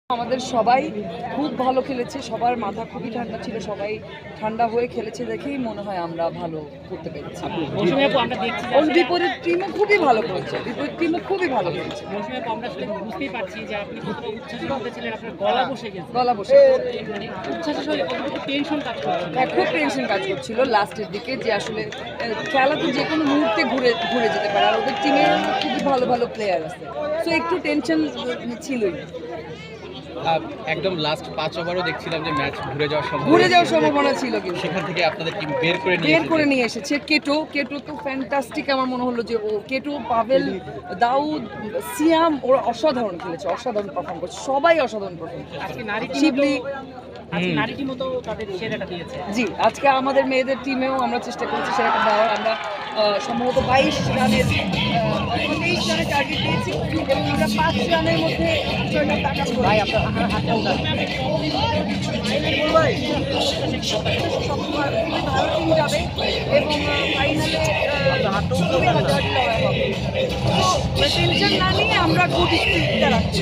আমাদের সবাই খুব ভালো খেলেছে, সবার মাথা খুবই ঠান্ডা ছিল, সবাই ঠান্ডা হয়ে খেলেছে দেখেই মনে হয় আমরা ভালো করতে পেরেছি। বিপরীত টিমও খুবই ভালো করেছে, বিপরীত টিমও খুবই ভালো করেছে। বুঝতেই পারছি যে আপনি কতটা উচ্ছ্বাসের মধ্যে ছিলেন, আপনার গলা বসে গেছে। গলা বসে মানে উচ্ছ্বাসের সঙ্গে কতটুকু টেনশন কাজ করছিল। হ্যাঁ, খুব টেনশন কাজ করছিল লাস্টের দিকে, যে আসলে খেলা তো যে কোনো মুহূর্তে ঘুরে যেতে পারে, আর ওদের টিমে খুবই ভালো ভালো প্লেয়ার আছে, তো একটু টেনশন ছিলই। একদম লাস্ট 5 ওভারও দেখছিলাম যে ম্যাচ ঘুরে যাওয়ার সম্ভাবনা ছিল, কিন্তু সেখান থেকে আপনাদের টিম বের করে নিয়ে এসেছে। কেটো তো ফ্যান্টাস্টিক, আমার মনে হলো যে ও কেটো, পাভেল, দাউদ, সিয়াম ওরা অসাধারণ খেলেছে, অসাধারণ পারফর্ম করছে, সবাই অসাধারণ পারফর্ম করছে। আজকে নারী শিবলি নারী টিমও তো তাদের সেরাটা দিয়েছে। জি, আজকে আমাদের মেয়েদের টিমেও আমরা চেষ্টা করেছি সেটা দেওয়ার। আমরা সম্ভবত 22 রানের 23 রানের টার্গেট দিয়েছি এবং আমরা 5 রানের মধ্যে 6 রান টাকা ভাই আপনার হাতটা উঠান। ভালো টিম যাবে এবং ফাইনালে খুবই হাড্ডাহাড্ডি লড়াই হবে। টেনশন না নিয়ে আমরা গুড স্পিরিটটা রাখছি।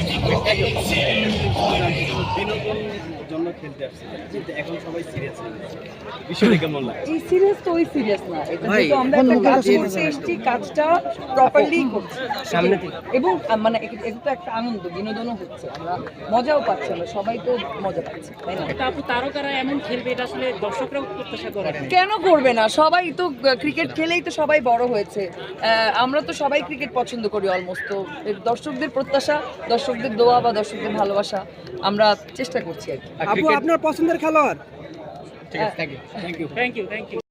জন্য খেলতে আসছে, কিন্তু এখন সবাই সিরিয়াস হয়ে গেছে। বিষয়টা কেমন লাগে? এই সিরিয়াস তো ওই সিরিয়াস না, এটা কিন্তু আমরা একটা কাজ করতে এসেছি, কাজটা প্রপারলি করছি সামনে থেকে, এবং মানে এটা তো একটা আনন্দ, বিনোদনও হচ্ছে, আমরা মজাও পাচ্ছি, আমরা সবাই তো মজা পাচ্ছি, তাই না? আপু তারকারা এমন খেলবে, এটা আসলে দর্শকরাও প্রত্যাশা করে। কেন করবে না? সবাই তো ক্রিকেট খেলেই তো সবাই বড় হয়েছে, আমরা তো সবাই ক্রিকেট পছন্দ করি অলমোস্ট, তো দর্শকদের প্রত্যাশা, দর্শকদের দোয়া বা দর্শকদের ভালোবাসা আমরা চেষ্টা করছি আর কি। আপু আপনার পছন্দের খেলোয়াড়? ঠিক আছে, থ্যাংক ইউ। Thank you.